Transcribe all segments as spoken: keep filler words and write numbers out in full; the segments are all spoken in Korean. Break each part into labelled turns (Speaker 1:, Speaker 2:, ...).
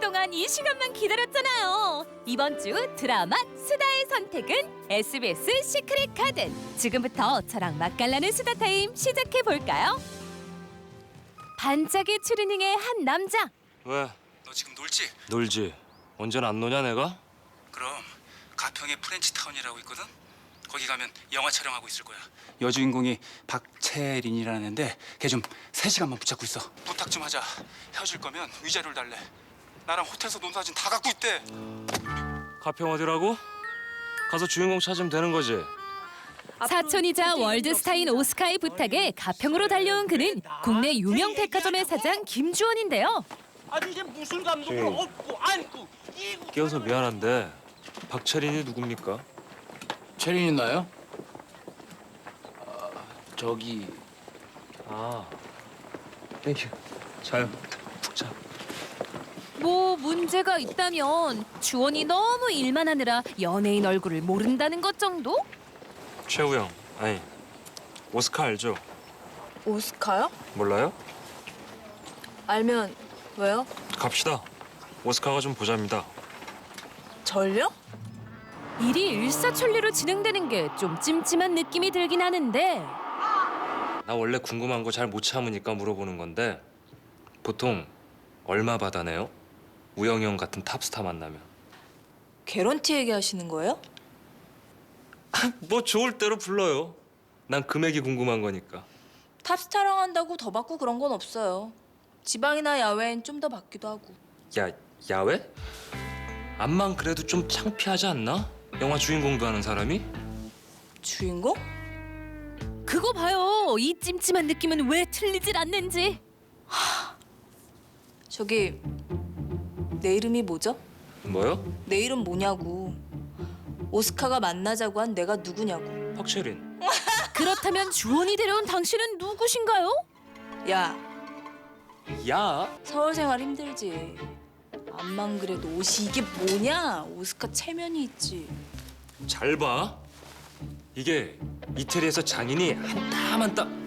Speaker 1: 동안 이 시간만 기다렸잖아요. 이번 주 드라마 수다의 선택은 에스비에스 시크릿 가든. 지금부터 저랑 맛깔나는 수다 타임 시작해 볼까요? 반짝이 추리닝의 한 남자.
Speaker 2: 왜?
Speaker 3: 너 지금 놀지?
Speaker 2: 놀지. 언제는 안 노냐 내가?
Speaker 3: 그럼 가평에 프렌치타운이라고 있거든? 거기 가면 영화 촬영하고 있을 거야. 여주인공이 박채린이라는 애인데 걔 좀 세 시간만 붙잡고 있어. 부탁 좀 하자. 헤어질 거면 위자료를 달래. 나랑 호텔에서 논 사진 다 갖고 있대.
Speaker 2: 가평 어디라고? 가서 주인공 찾으면 되는 거지.
Speaker 1: 사촌이자 월드스타인 오스카의 부탁에 가평으로 달려온 그는 국내 유명 백화점의 사장 김주원인데요.
Speaker 4: 아니 이제 무슨 감독도 없고 안고 이고
Speaker 2: 깨워서 미안한데 박채린이 누굽니까?
Speaker 3: 채린이 나요? 아, 저기
Speaker 2: 아, 에휴, 자요. 푹 자.
Speaker 1: 뭐 문제가 있다면 주원이 너무 일만 하느라 연예인 얼굴을 모른다는 것 정도?
Speaker 2: 최우영, 아니 오스카 알죠?
Speaker 5: 오스카요?
Speaker 2: 몰라요?
Speaker 5: 알면 왜요?
Speaker 2: 갑시다. 오스카가 좀 보자입니다.
Speaker 5: 절요?
Speaker 1: 일이 일사천리로 진행되는 게 좀 찜찜한 느낌이 들긴 하는데
Speaker 2: 나 원래 궁금한 거 잘 못 참으니까 물어보는 건데 보통 얼마 받아내요? 우영이 형 같은 탑스타 만나면.
Speaker 5: 개런티 얘기하시는 거예요?
Speaker 2: 뭐 좋을 대로 불러요. 난 금액이 궁금한 거니까.
Speaker 5: 탑스타랑 한다고 더 받고 그런 건 없어요. 지방이나 야외엔 좀 더 받기도 하고.
Speaker 2: 야, 야외? 암만 그래도 좀 창피하지 않나? 영화 주인공도 하는 사람이?
Speaker 5: 주인공?
Speaker 1: 그거 봐요. 이 찜찜한 느낌은 왜 틀리질 않는지.
Speaker 5: 저기 내 이름이 뭐죠?
Speaker 2: 뭐요?
Speaker 5: 내 이름 뭐냐고. 오스카가 만나자고 한 내가 누구냐고.
Speaker 2: 박채린.
Speaker 1: 그렇다면 주원이 데려온 당신은 누구신가요?
Speaker 5: 야,
Speaker 2: 야,
Speaker 5: 서울 생활 힘들지. 암만 그래도 옷이 이게 뭐냐? 오스카 체면이 있지.
Speaker 2: 잘 봐. 이게 이태리에서 장인이 한 땀 한 땀.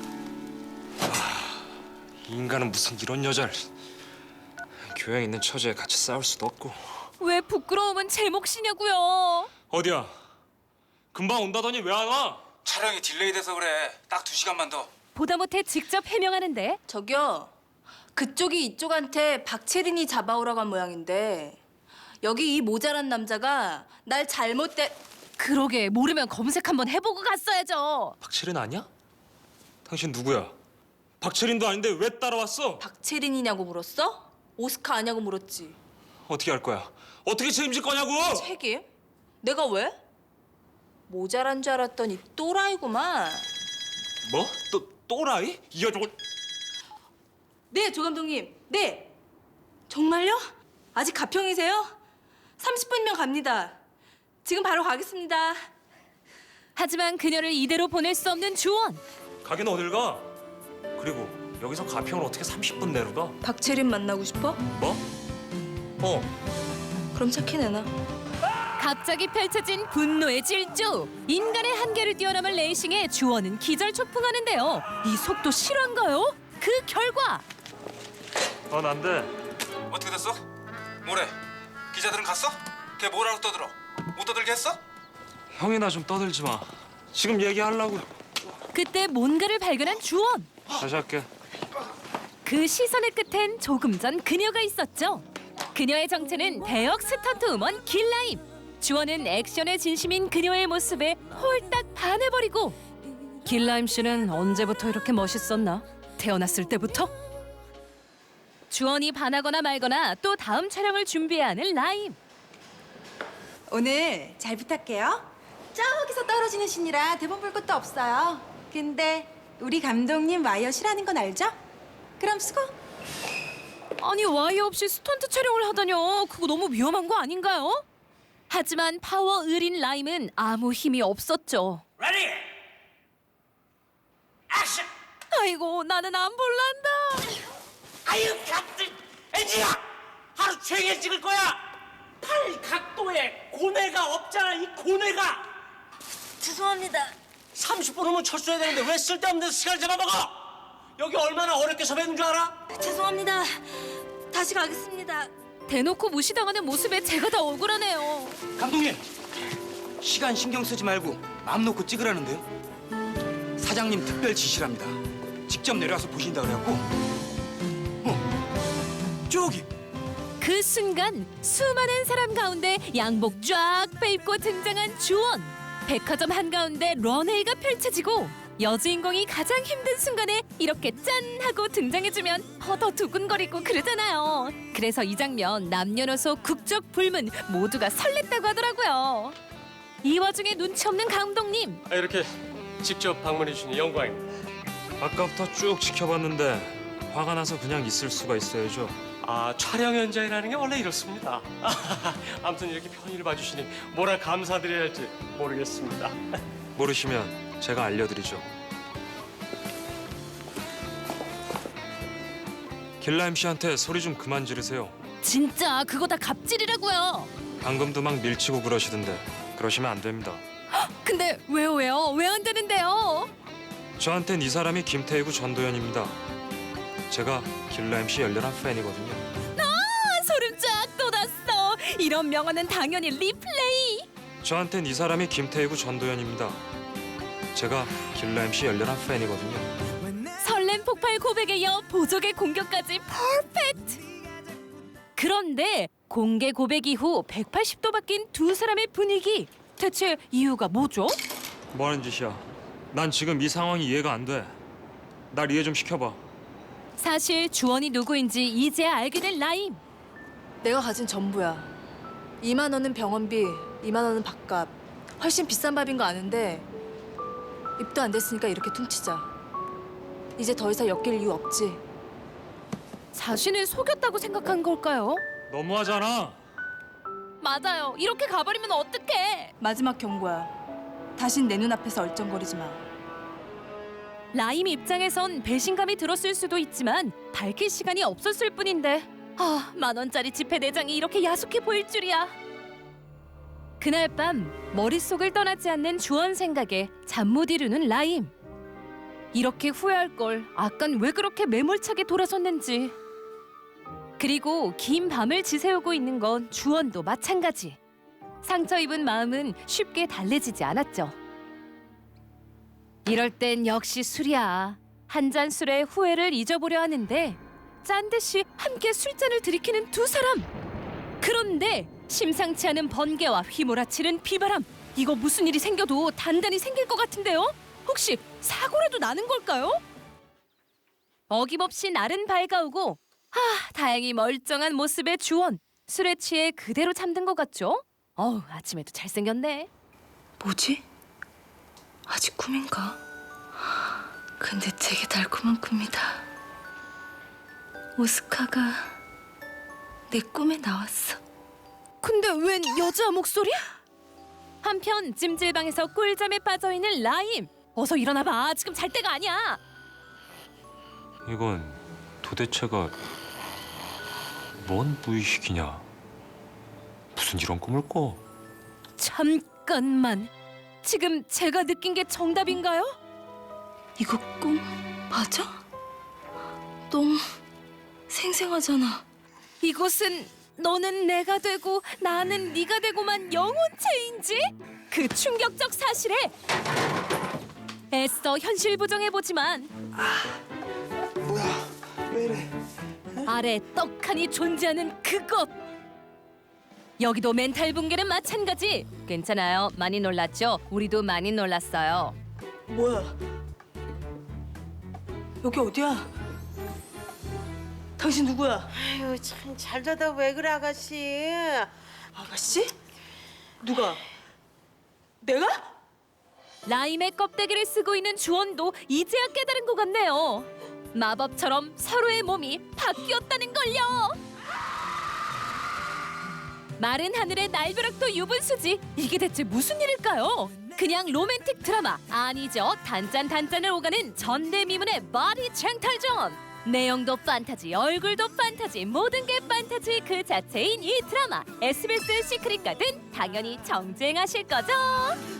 Speaker 2: 아, 이 인간은 무슨 이런 여자를. 교양 있는 처제에 같이 싸울 수도 없고.
Speaker 1: 왜 부끄러움은 제 몫이냐고요.
Speaker 2: 어디야? 금방 온다더니 왜 안 와?
Speaker 3: 촬영이 딜레이 돼서 그래. 딱 두 시간만 더.
Speaker 1: 보다 못해 직접 해명하는데
Speaker 5: 저기요. 그쪽이 이쪽한테 박채린이 잡아오라고 한 모양인데 여기 이 모자란 남자가 날 잘못된...
Speaker 1: 그러게 모르면 검색 한번 해보고 갔어야죠.
Speaker 2: 박채린 아니야? 당신 누구야? 박채린도 아닌데 왜 따라왔어?
Speaker 5: 박채린이냐고 물었어? 오스카 아냐고 물었지.
Speaker 2: 어떻게 할 거야? 어떻게 책임질 거냐고?
Speaker 5: 책임? 내가 왜? 모자란 줄 알았더니 또라이구만.
Speaker 2: 뭐? 또 또라이? 이 여자가...
Speaker 5: 네, 조 감독님. 네. 정말요? 아직 가평이세요? 삼십 분이면 갑니다. 지금 바로 가겠습니다.
Speaker 1: 하지만 그녀를 이대로 보낼 수 없는 주원.
Speaker 2: 가긴 어딜 가? 그리고 여기서 가평을 어떻게 삼십 분 내로 가?
Speaker 5: 박채린 만나고 싶어?
Speaker 2: 뭐? 어.
Speaker 5: 그럼 착해 내놔.
Speaker 1: 갑자기 펼쳐진 분노의 질주. 인간의 한계를 뛰어넘은 레이싱에 주원은 기절초풍하는데요. 이 속도 실화인가요? 그 결과
Speaker 2: 어, 난 돼.
Speaker 3: 어떻게 됐어? 뭐래? 기자들은 갔어? 걔 뭐라고 떠들어? 못 떠들게 했어?
Speaker 2: 형이나 좀 떠들지 마. 지금 얘기하려고.
Speaker 1: 그때 뭔가를 발견한 주원.
Speaker 2: 다시 할게.
Speaker 1: 그 시선의 끝엔 조금 전 그녀가 있었죠. 그녀의 정체는 대역 스턴트 우먼 길라임. 주원은 액션에 진심인 그녀의 모습에 홀딱 반해버리고. 길라임 씨는 언제부터 이렇게 멋있었나? 태어났을 때부터? 주원이 반하거나 말거나 또 다음 촬영을 준비해야 하는 라임.
Speaker 6: 오늘 잘 부탁해요. 저기서 떨어지는 신이라 대본 볼 것도 없어요. 근데 우리 감독님 와이어 싫어하는 건 알죠? 그럼 수고.
Speaker 1: 아니 와이어 없이 스턴트 촬영을 하다뇨. 그거 너무 위험한 거 아닌가요? 하지만 파워 을인 라임은 아무 힘이 없었죠.
Speaker 4: 레디 액션.
Speaker 1: 아이고 나는 안 볼란다.
Speaker 4: 아유 같은 애지야 하루 종일 찍을 거야. 팔 각도에 고뇌가 없잖아. 이 고뇌가
Speaker 5: 죄송합니다.
Speaker 4: 삼십 분 후면 철수해야 되는데 왜 쓸데없는 데서 시간을 잡아먹어? 여기 얼마나 어렵게 섭외한 줄 알아?
Speaker 5: 죄송합니다. 다시 가겠습니다.
Speaker 1: 대놓고 무시당하는 모습에 제가 더 억울하네요.
Speaker 3: 감독님, 시간 신경 쓰지 말고 마음 놓고 찍으라는데요. 사장님 특별 지시랍니다. 직접 내려와서 보신다 그래갖고. 어, 저기.
Speaker 1: 그 순간 수많은 사람 가운데 양복 쫙 빼입고 등장한 주원. 백화점 한가운데 런웨이가 펼쳐지고 여주인공이 가장 힘든 순간에 이렇게 짠 하고 등장해주면 허더 두근거리고 그러잖아요. 그래서 이 장면 남녀노소 국적 불문 모두가 설렜다고 하더라고요. 이 와중에 눈치 없는 감독님.
Speaker 7: 아, 이렇게 직접 방문해 주시니 영광입니다.
Speaker 2: 아까부터 쭉 지켜봤는데 화가 나서 그냥 있을 수가 있어야죠.
Speaker 7: 아, 촬영 현장이라는 게 원래 이렇습니다. 아무튼 이렇게 편의를 봐주시니 뭐라 감사드려야 할지 모르겠습니다.
Speaker 2: 모르시면 제가 알려드리죠. 길라임 씨한테 소리 좀 그만 지르세요.
Speaker 1: 진짜 그거 다 갑질이라고요.
Speaker 2: 방금도 막 밀치고 그러시던데 그러시면 안 됩니다.
Speaker 1: 근데 왜요 왜요? 왜 안 되는데요?
Speaker 2: 저한텐 이 사람이 김태희구 전도연입니다. 제가 길라임 씨 열렬한 팬이거든요.
Speaker 1: 아, 소름 쫙 돋았어. 이런 명언은 당연히 리플레이.
Speaker 2: 저한텐 이 사람이 김태희구 전도연입니다. 제가 길라임 씨 열렬한 팬이거든요.
Speaker 1: 설렘 폭발 고백에 이어 보적의 공격까지 퍼펙트. 그런데 공개 고백 이후 백팔십 도 바뀐 두 사람의 분위기. 대체 이유가 뭐죠?
Speaker 2: 뭐 하는 짓이야? 난 지금 이 상황이 이해가 안 돼. 날 이해 좀 시켜봐.
Speaker 1: 사실 주원이 누구인지 이제야 알게 된 라임.
Speaker 5: 내가 가진 전부야. 이만 원은 병원비, 이만 원은 밥값. 훨씬 비싼 밥인 거 아는데 입도 안 됐으니까 이렇게 퉁치자. 이제 더 이상 엮일 이유 없지.
Speaker 1: 자신을 속였다고 생각한 걸까요?
Speaker 2: 너무하잖아.
Speaker 1: 맞아요. 이렇게 가버리면 어떡해.
Speaker 5: 마지막 경고야. 다신 내 눈앞에서 얼쩡거리지 마.
Speaker 1: 라임 입장에선 배신감이 들었을 수도 있지만 밝힐 시간이 없었을 뿐인데 아, 만 원짜리 지폐 내장이 이렇게 야속해 보일 줄이야. 그날 밤 머릿속을 떠나지 않는 주원 생각에 잠 못 이루는 라임. 이렇게 후회할 걸 아깐 왜 그렇게 매몰차게 돌아섰는지. 그리고 긴 밤을 지새우고 있는 건 주원도 마찬가지. 상처 입은 마음은 쉽게 달래지지 않았죠. 이럴 땐 역시 술이야. 한 잔 술에 후회를 잊어보려 하는데 짠 듯이 함께 술잔을 들이키는 두 사람. 그런데 심상치 않은 번개와 휘몰아치는 비바람. 이거 무슨 일이 생겨도 단단히 생길 것 같은데요? 혹시 사고라도 나는 걸까요? 어김없이 날은 밝아오고 하, 다행히 멀쩡한 모습의 주원. 술에 취해 그대로 잠든 것 같죠? 어우, 아침에도 잘생겼네.
Speaker 5: 뭐지? 아직 꿈인가? 근데 되게 달콤한 꿈이다. 오스카가 내 꿈에 나왔어.
Speaker 1: 근데 웬 여자 목소리? 한편 찜질방에서 꿀잠에 빠져있는 라임. 어서 일어나봐. 지금 잘 때가 아니야.
Speaker 2: 이건 도대체가 뭔 무의식이냐? 무슨 이런 꿈을 꿔?
Speaker 1: 잠깐만. 지금 제가 느낀 게 정답인가요?
Speaker 5: 이거 꿈 맞아? 너무 생생하잖아.
Speaker 1: 이곳은 너는 내가 되고 나는 네가 되고만 영혼체인지? 그 충격적 사실에 애써 현실 부정해보지만
Speaker 3: 뭐야? 왜 이래?
Speaker 1: 아래 떡하니 존재하는 그것. 여기도 멘탈 붕괴는 마찬가지. 괜찮아요. 많이 놀랐죠? 우리도 많이 놀랐어요.
Speaker 5: 뭐야? 여기 어디야? 당신 누구야?
Speaker 8: 아유 참 잘 자다 왜 그래 아가씨?
Speaker 5: 아가씨? 누가? 내가?
Speaker 1: 라임의 껍데기를 쓰고 있는 주원도 이제야 깨달은 것 같네요. 마법처럼 서로의 몸이 바뀌었다는 걸요. 마른 하늘의 날벼락도 유분수지. 이게 대체 무슨 일일까요? 그냥 로맨틱 드라마 아니죠. 단짠 단짠을 오가는 전대미문의 바디 쟁탈전. 내용도 판타지, 얼굴도 판타지, 모든 게 판타지 그 자체인 이 드라마. 에스비에스 시크릿 가든 당연히 정주행하실 거죠.